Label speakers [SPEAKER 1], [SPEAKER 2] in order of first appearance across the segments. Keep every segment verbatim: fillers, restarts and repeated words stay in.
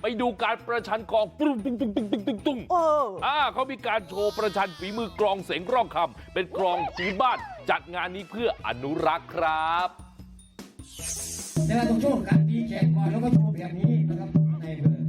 [SPEAKER 1] ไปดูการประชันกลองปุ้งปุ้งปุ้งปุ้งปุ้งปุ้งปุ้งอ่าเขามีการโชว์ประชันฝีมือกลองเสียงร้องคำเป็นกลองพื้นบ้านจัดงานนี้เพื่ออนุรักษ์ครับ
[SPEAKER 2] เวลาต้องโชว์การตีแขกก่อนแล้วก็โชว์แบบนี้นะครับในเบอร์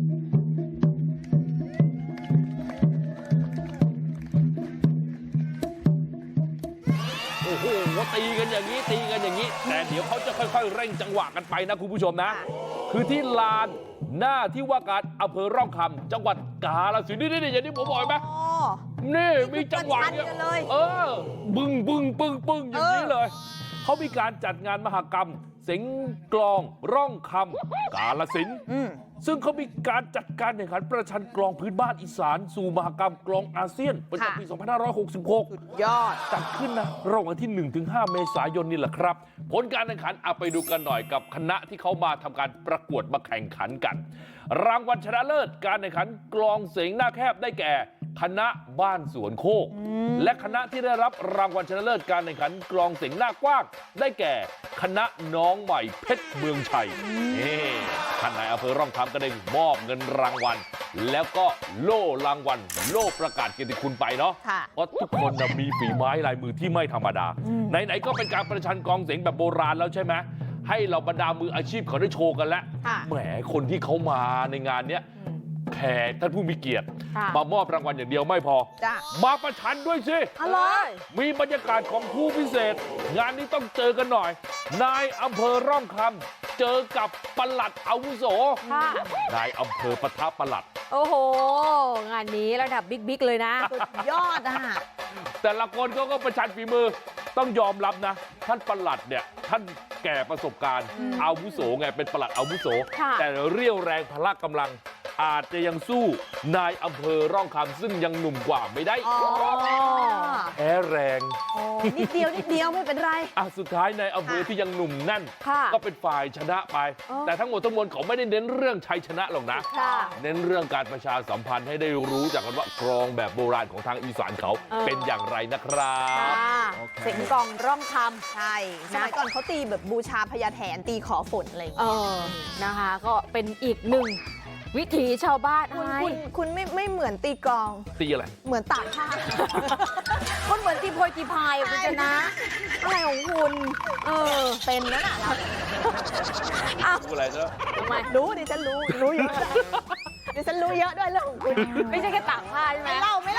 [SPEAKER 1] โอ้โหตีกันอย่างนี้ตีกันอย่างนี้แต่เดี๋ยวเขาจะค่อยๆเร่งจังหวะกันไปนะคุณผู้ชมนะคือที่ลานหน้าที่ว่าการอำเภอร่องคำจังหวัดกาฬสินธุ์นี่ๆอย่างที่ผมบอกไหมนี่มีจังหวะเนี่ยเออบึ้งบึ้งปึ้งปึ้งอย่างนี้เลยเขามีการจัดงานมหกรรมเสียงกลองร่องคำกาฬสินธุ์ซึ่งเขามีการจัดการแข่งขันประชันกลองพื้นบ้านอีสานสู่มหกรรมกลองอาเซียนประจำปีสองพันห้าร้อยหกสิบหก
[SPEAKER 3] ยอด
[SPEAKER 1] จัดขึ้นนะระหว่างที่ หนึ่งถึงห้า เมษายนนี่แหละครับผลการแข่งขันเอาไปดูกันหน่อยกับคณะที่เขามาทำการประกวดมาแข่งขันกันรางวัลชนะเลิศการแข่งขันกลองเสียงหน้าแคบได้แก่คณะบ้านสวนโคกและคณะที่ได้รับรางวัลชนะเลิศการแข่งขันกลองเสียงหน้ากว้างได้แก่คณะน้องใหม่เพชรเมืองชัยนี่ท่านนายอำเภอร่องคำก็ได้มอบเงินรางวัลแล้วก็โล่รางวัลโล่ประกาศเกียรติคุณไปเนาะเพราะทุกคนนะมีฝีไม้ลายมือที่ไม่ธรรมดาไหนๆก็เป็นการประชันกลองเสียงแบบโบราณแล้วใช่ไหมให้เราบรรดามืออาชีพเขาได้โชว์กันแล้วแหมคนที่เขามาในงานเนี้ยแขกท่านผู้มีเกียรติมามอบรางวัลอย่างเดียวไม่พอมาประชันด้วยสิอะไรมีบรรยากาศของผู้พิเศษงานนี้ต้องเจอกันหน่อยนายอำเภอร่องคำเจอกับปลัดอาวุโสนายอำเภอปะทะปลัด
[SPEAKER 3] โอ้โหงานนี้ระดับบิ๊กๆเลยนะสุดยอดอ่ะ
[SPEAKER 1] แต่ละคนเขาก็ประชันฝีมือต้องยอมรับนะท่านปลัดเนี่ยท่านแก่ประสบการณ์อาวุโสไงเป็นปลัดอาวุโสแต่เรี่ยวแรงพละกำลังอาจจะยังสู้นายอำเภอร่องคำซึ่งยังหนุ่มกว่าไม่ได้แพ้แรง
[SPEAKER 3] นิดเดียวนิดเดียวไม่เป็นไร
[SPEAKER 1] อ่ะสุดท้ายนายอำเภอที่ยังหนุ่มแน่นก็เป็นฝ่ายชนะไปแต่ทั้งหมดทั้งมวลเขาไม่ได้เน้นเรื่องชัยชนะหรอกนะเน้นเรื่องการประชาสัมพันธ์ให้ได้รู้จักกันว่ากลองแบบโบราณของทางอีสานเขาเป็นอย่างไรนะครับ
[SPEAKER 3] เสียงกลองร่องคำ
[SPEAKER 4] ใช่สมัยก่อนเขาตีแบบบูชาพญาแถนตีขอฝนอะไรอย่างเงี้ย
[SPEAKER 3] นะคะก็เป็นอีกหนึ่งวิถีชาวบ้าน
[SPEAKER 4] คุณคุณคุณไม่ไม่เหมือนตีกลอง
[SPEAKER 1] ตีอะไร
[SPEAKER 4] เหมือนตากผ้า
[SPEAKER 3] คนเหมือนตีโพยตีพายคุณชนะอะไรของคุณเออ
[SPEAKER 4] เป็นนั่นแหละ
[SPEAKER 1] รู้อะไรเนอะ
[SPEAKER 4] รู้ดิฉันรู้รู้เยอะดิฉันรู้เยอะด้วยเรื่องของคุณ
[SPEAKER 3] ไม่ใช่แค่ตากผ้าใช่ไหม
[SPEAKER 4] ไม่เล่าไม่